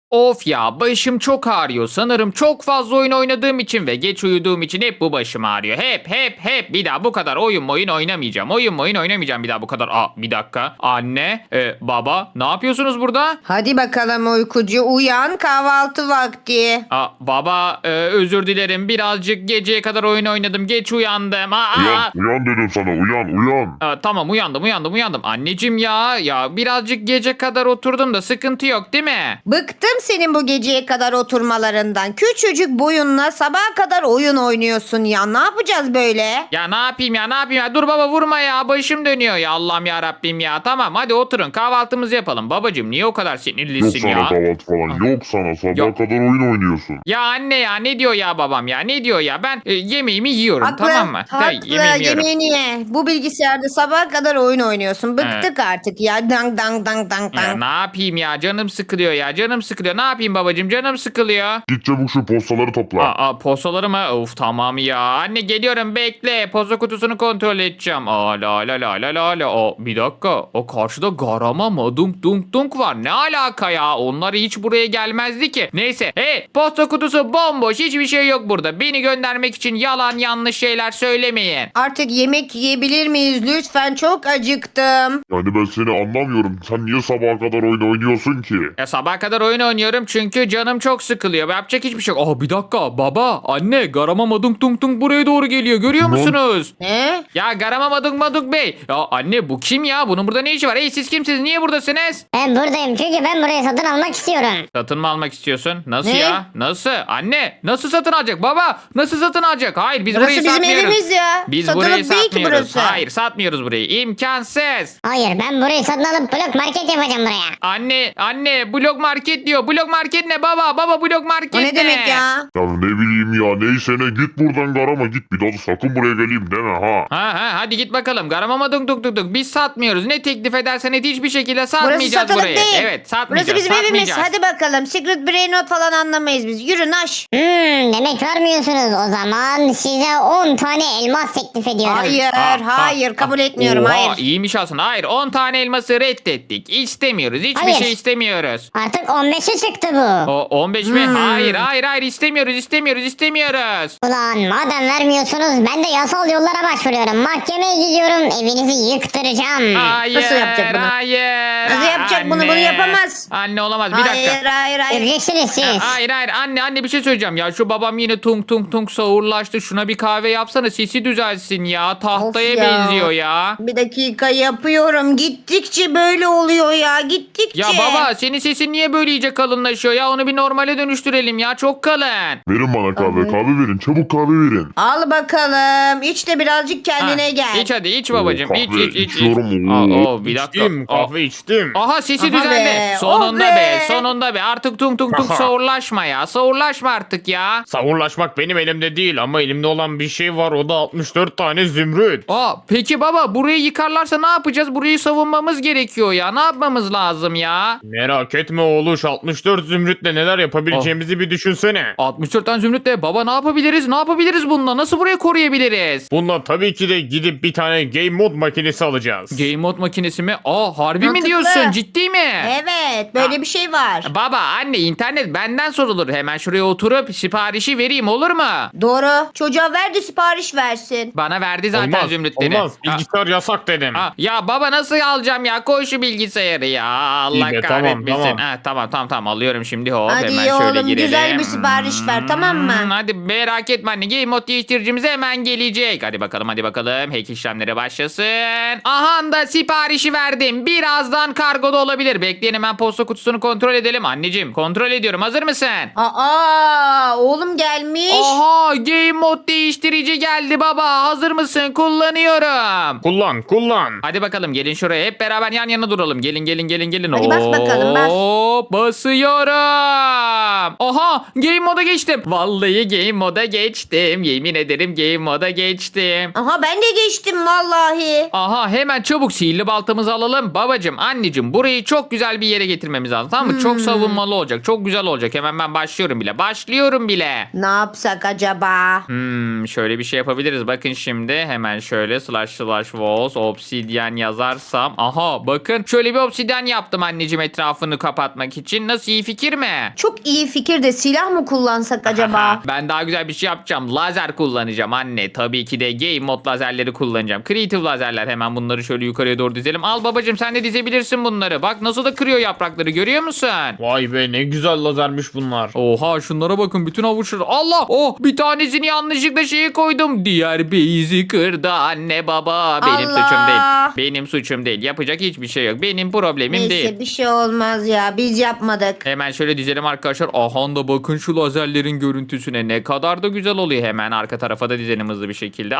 Of ya, başım çok ağrıyor. Sanırım çok fazla oyun oynadığım için ve geç uyuduğum için hep bu başım ağrıyor. Hep. Bir daha bu kadar oyun oynamayacağım. Oyun oynamayacağım bir daha bu kadar. Bir dakika. Anne, baba ne yapıyorsunuz burada? Hadi bakalım uykucu uyan, kahvaltı vakti. Baba, özür dilerim. Birazcık geceye kadar oyun oynadım. Geç uyandım. Uyan dedim sana, uyan. Tamam, uyandım. Anneciğim ya birazcık gece kadar oturdum da sıkıntı yok değil mi? Bıktım senin bu geceye kadar oturmalarından. Küçücük boyunla sabaha kadar oyun oynuyorsun ya. Ne yapacağız böyle? Ya ne yapayım ya? Dur baba, vurma ya. Başım dönüyor ya. Allah'ım ya Rabbim ya. Tamam, hadi oturun, kahvaltımızı yapalım. Babacığım niye o kadar Yok sinirlisin sana ya? kahvaltı falan, yok sana. Sabaha Yok. kadar oyun oynuyorsun. Ya anne ya, ne diyor ya babam ya? Ne diyor ya? Ben yemeğimi yiyorum, Haklı, tamam mı? haklı. Yemeğimi yiyorum. Yemeğini ye. Bu bilgisayarda sabaha kadar oyun oynuyorsun. Bıktık artık ya. Dang dang dang dang Ya dang. ne yapayım ya? Canım sıkılıyor ya. Ne yapayım babacığım? Canım sıkılıyor. Git çabuk şu postaları topla. Postaları mı? Of, tamam ya. Anne geliyorum, bekle. Posta kutusunu kontrol edeceğim. La. Bir dakika. O karşıda Garama Madung Dung Dung var. Ne alaka ya? Onlar hiç buraya gelmezdi ki. Neyse. Hey, posta kutusu bomboş. Hiçbir şey yok burada. Beni göndermek için yalan yanlış şeyler söylemeyin. Artık yemek yiyebilir miyiz? Lütfen, çok acıktım. Yani ben seni anlamıyorum. Sen niye sabaha kadar oyun oynuyorsun ki? Ya sabaha kadar oyun oynuyorum çünkü canım çok sıkılıyor. Yapacak hiçbir şey yok. Bir dakika. Baba, anne, Garama Madung Dung Dung buraya doğru geliyor. Görüyor Lan. musunuz? Ne? Ya Garama Madung Bey. Ya anne, bu kim ya? Bunun burada ne işi var? Hey, siz kimsiniz? Niye buradasınız? Ben buradayım çünkü ben burayı satın almak istiyorum. Satın mı almak istiyorsun? Nasıl Ne? ya? Nasıl? Anne, nasıl satın alacak? Baba, nasıl satın alacak? Hayır, biz Burası burayı bizim satmıyoruz. evimiz ya. Biz Satılık burayı değil ki satmıyoruz. burası. Hayır, satmıyoruz burayı. İmkansız. Hayır, ben burayı satın alıp blok market yapacağım buraya. Anne, blok market diyor. Blok market ne baba? Baba, blok market O ne demek ya? Ya ne bileyim ya, neyse ne, git buradan Garama, git. Bir daha da sakın buraya geleyim deme ha. Hadi git bakalım. Garamama duk. Biz satmıyoruz. Ne teklif edersen et, hiçbir şekilde Burası satmayacağız satılık burayı. değil. Evet, satmayacağız. Burası bizim evimiz. satmayacağız. Hadi bakalım. Secret Brain Not falan anlamayız biz. Yürü naş. Demek vermiyorsunuz. O zaman size 10 tane elmas teklif ediyorum. Hayır. Kabul etmiyorum. Oha, Hayır. iyiymiş aslında. Hayır, 10 tane elması reddettik. İstemiyoruz. Hiçbir Hayır. şey istemiyoruz. Artık 15'e çıktı bu. O 15 mi? Hayır, istemiyoruz. Ulan madem vermiyorsunuz ben de yasal yollara başvuruyorum. Mahkemeye gidiyorum, evinizi yıktıracağım. Hayır. Nasıl yapacak bunu? Hayır. Nasıl yapacak bunu? Bunu yapamaz. Anne olamaz. Bir dakika. Hayır. Göreceksiniz siz. Hayır. Anne bir şey söyleyeceğim ya. Şu babam yine tung sağırlaştı. Şuna bir kahve yapsana. Sesi düzelsin ya. Tahtaya Of ya. benziyor ya. Bir dakika yapıyorum. Gittikçe böyle oluyor ya. Gittikçe. Ya baba, senin sesin niye böyle iyice kalınlaşıyor ya? Onu bir normale dönüştürelim ya. Çok kalın. Verin bana kahve verin. Çabuk kahve verin. Al bakalım. İç de birazcık kendine gel. İç hadi, iç babacığım. Kahve İç. içiyorum. Bir dakika. İçtim, kahve içtim. Aha, sesi Aha düzeldi. be, Sonunda oh be. be. Sonunda be. Artık tung sağırlaşma ya. Sağırlaşma artık ya. Savunlaşmak benim elimde değil ama elimde olan bir şey var, o da 64 tane zümrüt. Peki baba, burayı yıkarlarsa ne yapacağız? Burayı savunmamız gerekiyor ya. Ne yapmamız lazım ya? Merak etme oğluş, 64 zümrütle neler yapabileceğimizi bir düşünsene. 64 tane zümrütle baba ne yapabiliriz? Ne yapabiliriz bununla? Nasıl burayı koruyabiliriz? Bununla tabii ki de gidip bir tane game mod makinesi alacağız. Game mod makinesi mi? Harbi mi Mantıklı. diyorsun? Ciddi mi? Evet. Böyle bir şey var. Baba, anne, internet benden sorulur. Hemen şuraya oturup siparişi vereyim, olur mu? Doğru. Çocuğa ver de sipariş versin. Bana verdi zaten Olmaz, zümrütleri. olmaz. Bilgisayar yasak dedim. Ya baba, nasıl alacağım ya? Koy şu bilgisayarı ya. Allah İyi be, kahretmesin. tamam. Tamam, alıyorum şimdi. Hop, Hadi hemen iyi şöyle oğlum, girelim. güzel bir sipariş ver, tamam mı? Hadi merak etme anne. Game mod değiştiricimiz hemen gelecek. Hadi bakalım. Hack işlemleri başlasın. Aha da siparişi verdim. Birazdan kargoda olabilir. Bekleyin, hemen posta kutusunu kontrol edelim. Anneciğim, kontrol ediyorum. Hazır mısın? Oğlum gelmiş. Aha, game mod değiştirici geldi baba. Hazır mısın? Kullanıyorum. Kullan. Hadi bakalım, gelin şuraya. Hep beraber yan yana duralım. Gelin. Hadi bas bakalım, bas. Basıyorum. Aha, game moda geçtim. Vallahi game moda geçtim. Yemin ederim game moda geçtim. Aha ben de geçtim vallahi. Aha, hemen çabuk sihirli baltamızı alalım. Babacım, anneciğim, burayı burayı çok güzel bir yere getirmemiz lazım. Tamam mı? Çok savunmalı olacak. Çok güzel olacak. Hemen ben başlıyorum bile. Başlıyorum bile. Ne yapsak acaba? Şöyle bir şey yapabiliriz. Bakın şimdi hemen şöyle //walls obsidian yazarsam. Aha bakın şöyle bir obsidian yaptım anneciğim etrafını kapatmak için. Nasıl, iyi fikir mi? Çok iyi fikir de silah mı kullansak acaba? Ben daha güzel bir şey yapacağım. Lazer kullanacağım anne. Tabii ki de game mod lazerleri kullanacağım. Creative lazerler. Hemen bunları şöyle yukarıya doğru dizelim. Al babacığım, sen de dizebilirsin bunları. Bak nasıl da kırıyor yaprakları, görüyor musun? Vay be, ne güzel lazermiş bunlar. Oha şunlara bakın, bütün avuçları. Allah, oh bir tanesini yanlışlıkla şeye koydum. Diğer base'i kırdı anne baba. Benim Allah. suçum değil. Benim suçum değil. Yapacak hiçbir şey yok. Benim problemim Neyse değil. bir şey olmaz ya. Biz yapmadık. Hemen şöyle dizelim arkadaşlar. Aha da bakın şu lazerlerin görüntüsüne, ne kadar da güzel oluyor. Hemen arka tarafa da dizelim hızlı bir şekilde.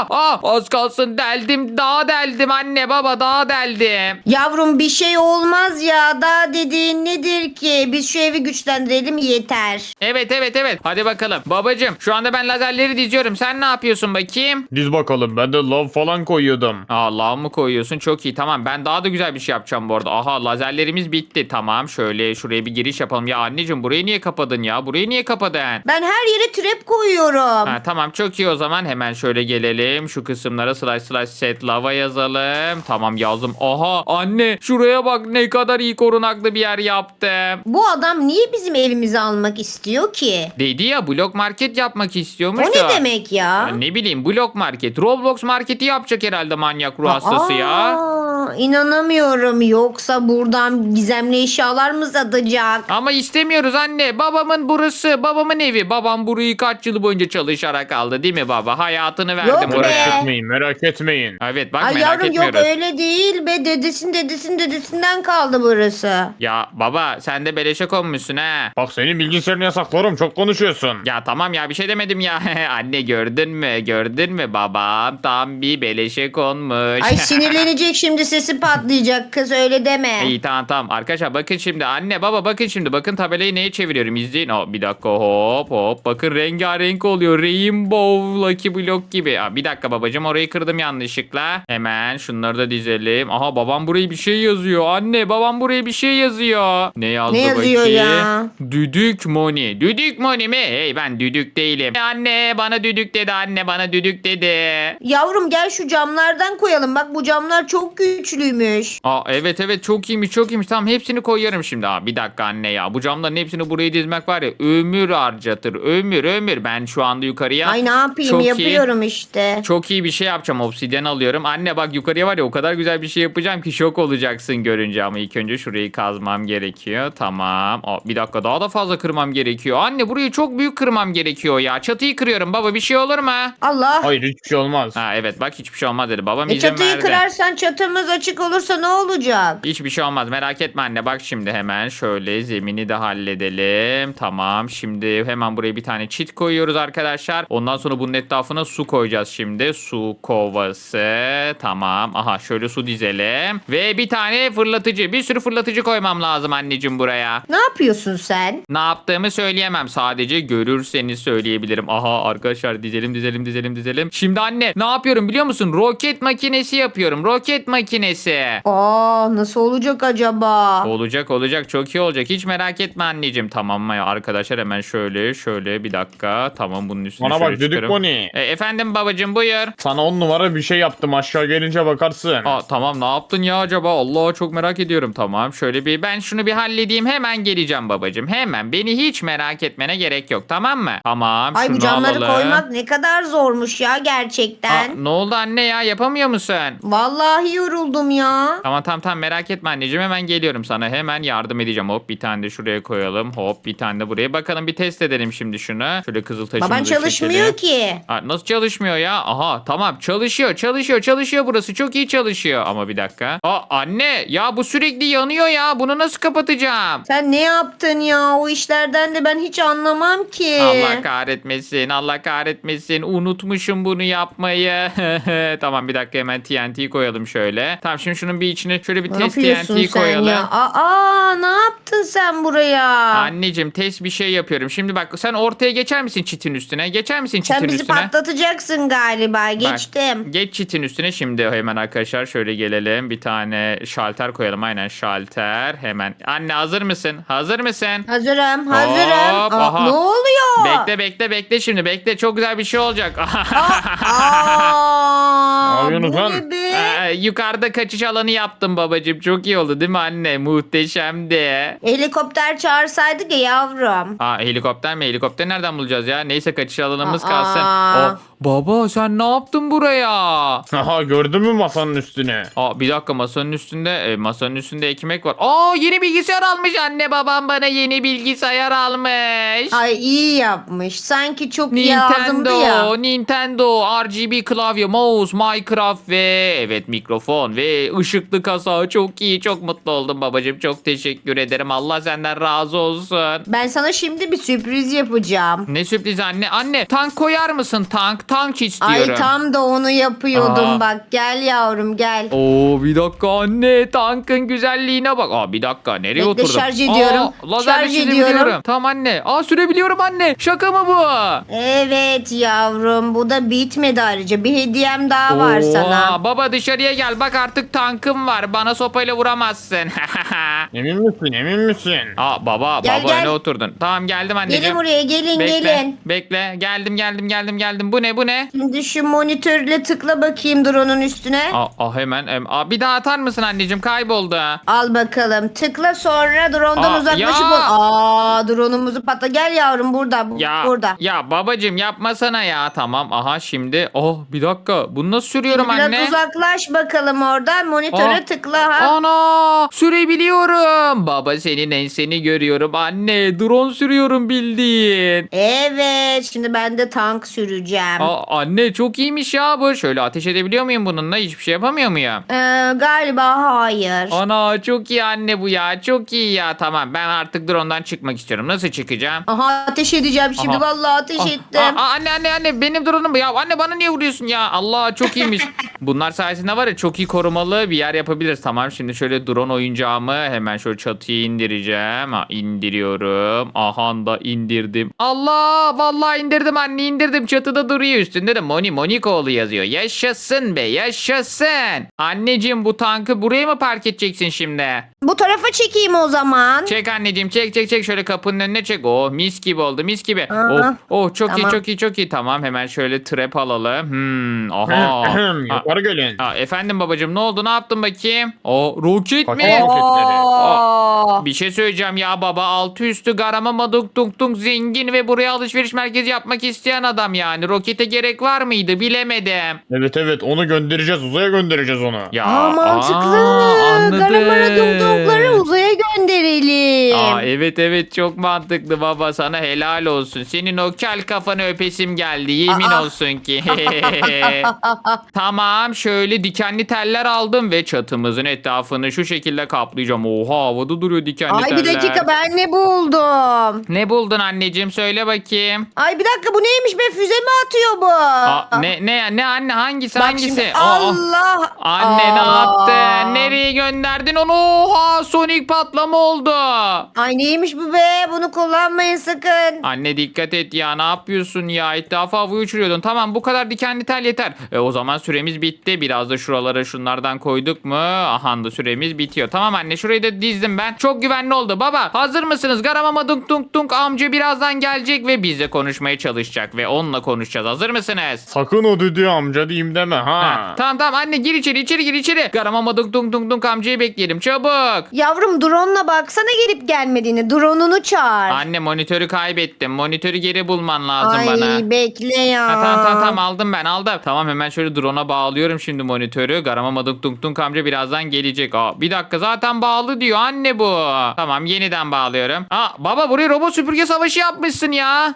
Az kalsın deldim. Daha deldim anne baba, daha deldim. Yavrum bir şey olmaz ya. Daha dediğin nedir ki? Biz şu evi güçlendirelim yeter. Evet. Hadi bakalım. Babacım şu anda ben lazerleri diziyorum. Sen ne yapıyorsun bakayım? Diz bakalım, ben de lav falan koyuyordum. Allah mı koyuyorsun? Çok iyi, tamam. Ben daha da güzel bir şey yapacağım bu arada. Aha lazerlerimiz bitti. Tamam şöyle şuraya bir giriş yapalım. Ya anneciğim burayı niye kapadın ya? Burayı niye kapadın? Ben her yere trap koyuyorum. Ha, tamam çok iyi o zaman. Hemen şöyle gelelim. Şu kısımlara //set lava yazalım. Tamam yazdım. Aha anne şuraya bak, ne kadar iyi korunaklı bir yer yaptım. Bu adam niye bizim evimizi almak istiyor ki? Dedi ya, blok market yapmak istiyormuş O da. ne demek ya? Ya ne bileyim, blok market. Roblox marketi yapacak herhalde manyak ruh hastası ya. İnanamıyorum. Yoksa buradan gizemli eşyalar mı satacak? Ama istemiyoruz anne. Babamın burası. Babamın evi. Babam burayı kaç yıl boyunca çalışarak aldı değil mi baba? Hayatını verdim Yok be. buraya. Merak etmeyin. Evet bak, Ay merak yavrum yok etmiyoruz. öyle değil be. Dedesinden kaldı burası. Ya baba sen de beleşe konmuşsun ha. Bak senin bilgisayarını yasaklarım, çok konuşuyorsun. Ya tamam ya, bir şey demedim ya. Anne gördün mü? Gördün mü babam? Tam bir beleşe konmuş. Ay sinirlenecek şimdi, sesi patlayacak kız, öyle deme. İyi tamam. Arkadaşlar bakın şimdi. Anne baba bakın şimdi. Bakın tabelayı neye çeviriyorum? İzleyin. Bir dakika hop. Bakın rengarenk oluyor. Rainbow Lucky Block gibi. Bir dakika babacığım, orayı kırdım yanlışlıkla. Hemen şunları da dizelim. Aha babam buraya bir şey yazıyor. Anne babam buraya bir şey yazıyor. Ne yazdı Ne yazıyor bakayım? ya? Düdük Moni. Düdük Moni mi? Hey ben düdük değilim. Anne bana düdük dedi. Anne bana düdük dedi. Yavrum gel şu camlardan koyalım. Bak bu camlar çok güçlüymüş. Evet çok iyiymiş. Tamam hepsini koyarım şimdi. Bir dakika anne ya. Bu camların hepsini buraya dizmek var ya, ömür harcatır. Ömür. Ben şu anda yukarıya Ay ne yapayım, çok iyi- yapıyorum işte. Çok iyi bir şey yapacağım. Obsidyen alıyorum. Anne bak yukarıya var ya, o kadar güzel bir şey yapacağım ki şok olacaksın görünce. Ama ilk önce şurayı kazmam gerekiyor. Tamam. Bir dakika daha da fazla kırmam gerekiyor. Anne burayı çok büyük kırmam gerekiyor ya. Çatıyı kırıyorum baba, bir şey olur mu? Allah. Hayır, hiçbir şey olmaz. Evet bak, hiçbir şey olmaz dedi. Babam izin Çatıyı verdi. kırarsan çatımız açık olursa ne olacak? Hiçbir şey olmaz, merak etme anne. Bak şimdi hemen şöyle zemini de halledelim. Tamam şimdi hemen buraya bir tane çit koyuyoruz arkadaşlar. Ondan sonra bunun etrafına su koyacağız şimdi. Su kovası. Tamam. Aha şöyle su dizelim. Ve bir tane fırlatıcı. Bir sürü fırlatıcı koymam lazım anneciğim buraya. Ne yapıyorsun sen? Ne yaptığımı söyleyemem. Sadece görürseniz söyleyebilirim. Aha arkadaşlar dizelim. Şimdi anne ne yapıyorum biliyor musun? Roket makinesi yapıyorum. Roket makinesi. Nasıl olacak acaba? Olacak çok iyi olacak. Hiç merak etme anneciğim. Tamam mı arkadaşlar, hemen şöyle bir dakika. Tamam bunun üstüne Bana şöyle bak düdük çıkarım. Bonnie. Efendim babacığım buyur. Sana 10 numara bir şey yaptım, aşağı gelince bakarsın. Tamam ne yaptın ya acaba? Allah çok merak ediyorum. Tamam şöyle ben şunu bir halledeyim, hemen geleceğim babacığım. Hemen, beni hiç merak etmene gerek yok, tamam mı? Tamam Ay şunu bu camları alalım. koymak ne kadar zormuş ya gerçekten. Ne oldu anne ya, yapamıyor musun? Vallahi yoruldum ya. Tamam merak etme anneciğim, hemen geliyorum sana, hemen yardım edeceğim. Hop bir tane de şuraya koyalım, hop bir tane de buraya. Bakalım bir test edelim şimdi şunu. Şöyle kızıl taşımızı Baban çalışmıyor ki. Nasıl çalışmıyor ya? Aha tamam çalışıyor burası, çok iyi çalışıyor. Ama bir dakika. Anne ya bu sürekli yanıyor ya, bunu nasıl kapatacağım? Sen ne yaptın ya? O işlerden de ben hiç anlamam ki. Allah kahretmesin. Unutmuşum bunu yapmayı. Tamam bir dakika, hemen TNT koyalım şöyle. Tamam şimdi şunun bir içine şöyle bir Ne test yapıyorsun TNT sen koyalım. ya? Aa, ne yaptın sen buraya? Anneciğim test bir şey yapıyorum. Şimdi bak sen ortaya geçer misin çitin üstüne? Geçer misin çitin Sen bizi üstüne? patlatacaksın galiba. Bak, Geçtim. geç çitin üstüne şimdi hemen arkadaşlar şöyle gelelim. Bir tane şalter koyalım. Aynen şalter. Hemen. Anne hazır mısın? Hazır mısın? Hazırım, hazırım. Hop, Aa, aha. ne oluyor? Bekle şimdi. Bekle. Çok güzel bir şey olacak. Aa, yapıyorsunuz bu lan? ne be? Yukarıda kaçış alanı yaptım babacığım. Çok iyi oldu değil mi anne? Muhteşemdi. Helikopter çağırsaydık ya yavrum. Helikopter mi? Helikopter nereden bulacağız ya? Neyse kaçış alanımız Aa. kalsın. Baba sen ne yaptın buraya? Aha gördün mü masanın üstüne? Bir dakika masanın üstünde ekmek var. Yeni bilgisayar almış anne babam bana yeni bilgisayar almış. Ay iyi yapmış. Sanki çok lazımdı ya. Nintendo, RGB klavye, mouse, Minecraft ve evet mikrofon ve ışıklı kasa. Çok iyi, çok mutlu oldum babacığım. Çok teşekkür ederim. Allah senden razı olsun. Ben sana şimdi bir sürpriz yapacağım. Ne sürpriz anne? Anne tank koyar mısın tank istiyorum. Ay tam da onu yapıyordum Aa. bak. Gel yavrum gel. Bir dakika anne tankın güzelliğine bak. Bir dakika nereye Bekle, oturdum? şarj ediyorum. Lazerle Şarj çizebiliyorum. ediyorum. Tamam anne. Sürebiliyorum anne. Şaka mı bu? Evet yavrum, bu da bitmedi ayrıca. Bir hediyem daha var sana. Baba dışarıya gel. Bak artık tankım var. Bana sopayla vuramazsın. Emin misin emin misin? Baba Gel, baba gel. ne oturdun? Tamam geldim anneciğim. Gelin buraya, gelin Bekle, gelin. bekle. Geldim. Bu ne? Şimdi şu monitörle tıkla bakayım drone'un üstüne. Hemen. Bir daha atar mısın anneciğim? Kayboldu. Al bakalım. Tıkla, sonra drone'dan uzaklaşıp ya. drone'umuzu patla. Gel yavrum, burada. Burada. Ya babacığım yapmasana ya. Tamam şimdi. Bir dakika. Bunu nasıl sürüyorum Biraz anne? uzaklaş bakalım oradan. Monitöre tıkla ha. Ana sürebiliyorum. Baba senin enseni görüyorum. Anne drone sürüyorum bildiğin. Evet. Şimdi ben de tank süreceğim. Anne çok iyiymiş ya bu. Şöyle ateş edebiliyor muyum bununla? Hiçbir şey yapamıyor muyum? Galiba hayır. Ana çok iyi anne bu ya. Çok iyi ya. Tamam ben artık drone'dan çıkmak istiyorum. Nasıl çıkacağım? Aha, ateş edeceğim şimdi. Aha. Vallahi ateş ettim. Anne benim drone'um bu ya. Anne bana niye vuruyorsun ya? Allah çok iyiymiş. Bunlar sayesinde var ya çok iyi korumalı bir yer yapabiliriz. Tamam şimdi şöyle drone oyuncağımı hemen şöyle çatıya indireceğim. İndiriyorum. Aha da indirdim. Allah vallahi indirdim anne indirdim. Çatıda duruyor üstünde de Monikoğlu yazıyor. Yaşasın be yaşasın. Anneciğim bu tankı buraya mı park edeceksin şimdi? Bu tarafa çekeyim o zaman. Çek anneciğim çek şöyle kapının önüne çek. Mis gibi oldu mis gibi. Aha. Çok Tamam. iyi çok iyi. Tamam hemen şöyle trap alalım. Aha. Yukarı gelin. Efendim babacığım ne oldu ne yaptın bakayım? Roket Paket mi? roketleri. Bir şey söyleyeceğim ya baba altı üstü garama maduk tung tung zengin ve buraya alışveriş merkezi yapmak isteyen adam yani. Rokete gerek var mıydı bilemedim. Evet onu göndereceğiz uzaya göndereceğiz onu. Ya, Mantıklı. anladım. Garamara dumdumları uzaya gönderelim. Evet çok mantıklı baba sana helal olsun. Senin o kel kafanı öpesim geldi yemin olsun ki. Tamam şöyle dikenli teller aldım ve çatımızın etrafını şu şekilde kaplayacağım. Oha havada duruyor dikenli Ay teller. bir dakika, ben ne buldum? Ne buldun anneciğim söyle bakayım. Ay bir dakika, bu neymiş be, füze mi atıyor bu? Ne anne hangisi Bak hangisi? şimdi, Allah. Anne ne yaptın? Nereye gönderdin onu? Oha Sonic patlama oldu. Ay neymiş bu be, bunu kullanmayın sakın. Anne dikkat et ya ne yapıyorsun ya etrafa havayı uçuruyordun. Tamam bu kadar dikenli tel yeter. O zaman süremiz bitti. Biraz da şuralara şunlardan koyduk mu? Aha da süremiz bitiyor. Tamam anne şurayı da dizdim ben. Çok güvenli oldu. Baba hazır mısınız? Garamama dunk dunk dunk amca birazdan gelecek ve bizle konuşmaya çalışacak. Ve onunla konuşacağız. Hazır mısınız? Sakın o düdüğü amca diyeyim deme ha. Tamam anne gir içeri gir içeri. Garamama dunk dunk dunk dunk amcayı bekleyelim çabuk. Yavrum drone'la baksana gelip gelmediğini. Drone'unu çağır. Anne monitörü kaybettim. Monitörü geri bulman lazım Ay bana. bekle ya. Tamam aldım ben aldım. Tamam hemen şöyle drone'a bağlıyorum şimdi monitörü. Garamama dunk dunk dunk amca birazdan gelecek. Bir dakika zaten bağlı diyor anne bu. Tamam yeniden bağlıyorum. Baba buraya robot süpürge savaşı yapmışsın ya.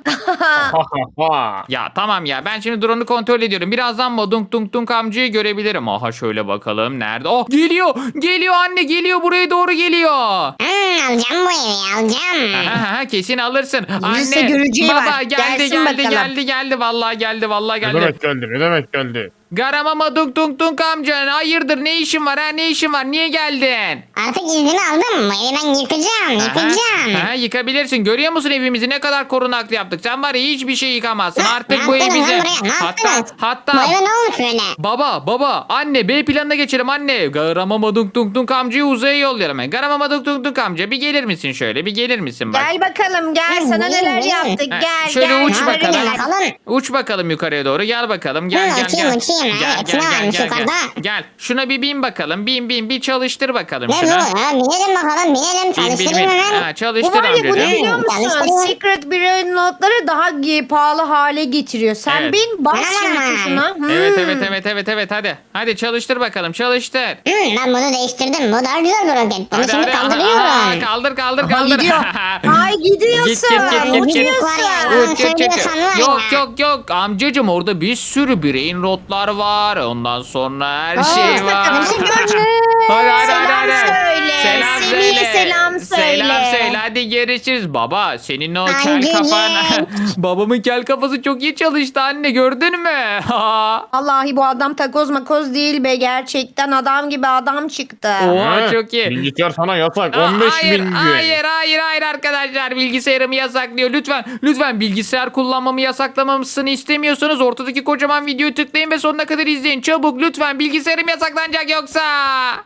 Ya tamam ya ben şimdi drone'u kontrol ediyorum. Birazdan mı dunk dunk dunk amcayı görebilirim. Aha şöyle bakalım nerede? Geliyor anne geliyor buraya doğru geliyor. Alacağım bu evi alacağım. Kesin alırsın. Gelirse Anne göreceği baba var. geldi Gelsin bakalım. geldi vallahi geldi Ne demek geldi? Garamama dunk dunk dunk amca. Hayırdır ne işin var ha ne işin var? Niye geldin? Artık iznini aldım. Bu evi ben yıkacağım. Aha, yıkabilirsin. Görüyor musun evimizi ne kadar korunaklı yaptık? Sen var ya hiçbir şey yıkamazsın. Ne Artık bu yaptınız ev lan bize. buraya? Ne Hatta yaptınız? Bu hatta eve ne olmuş böyle? baba anne B planına geçelim anne. Garamama dunk dunk dunk amcayı uzaya yollayalım. Garamama dunk dunk dunk amca bir gelir misin şöyle? Bir gelir misin bak? Gel bakalım gel Hı, sana iyi, neler iyi. yaptık Ha, gel şöyle gel. uç Ne bakalım. yapayım bakalım? Uç bakalım yukarıya doğru. Gel bakalım. Gel Hı, gel uçayım, gel. uçayım. Gel Evet, gel ne gel varmış gel. yukarıda? Gel. Şuna bir bin bakalım. Bin bir çalıştır bakalım Ne bu? şuna. Ha, binelim bakalım binelim. Çalıştırayım hemen. Ha, Bu çalıştır var ya bu ne amcacığım. biliyor musun? Çalıştırıyorum. Secret Brain notları daha pahalı hale getiriyor. Sen Evet. bin bas şimdi Aman. tuşuna. Evet hadi. Hadi çalıştır bakalım çalıştır. Ben bunu değiştirdim. Bu daha güzel bir roket. Bunu Hadi şimdi hadi. kaldırıyorum. Aa, kaldır. Aha, gidiyor. Ay gidiyorsun. Git. Uçuyorsun. Var ya. Uç. Söylüyorsan var ya. Yok amcacım orada bir sürü brain rotlar var. Ondan sonra her Aa, şey işte var. kadın şimdi Hadi. Selam söyle. Semih'e selam söyle. Selam söyle hadi görüşürüz. Baba senin o kel Anneciğim. kafan. Babamın kel kafası çok iyi çalıştı anne gördün mü? Vallahi bu adam takoz makoz değil be. Gerçekten adam gibi adam çıktı. Oha Ha, çok iyi. Bilgisayar sana yasak. Aa, 15 bin gün. hayır arkadaşlar bilgisayarımı yasaklıyor. Lütfen bilgisayar kullanmamı yasaklamamasını istemiyorsanız ortadaki kocaman videoyu tıklayın ve sonuna kadar izleyin. Çabuk lütfen bilgisayarım yasaklanacak yoksa.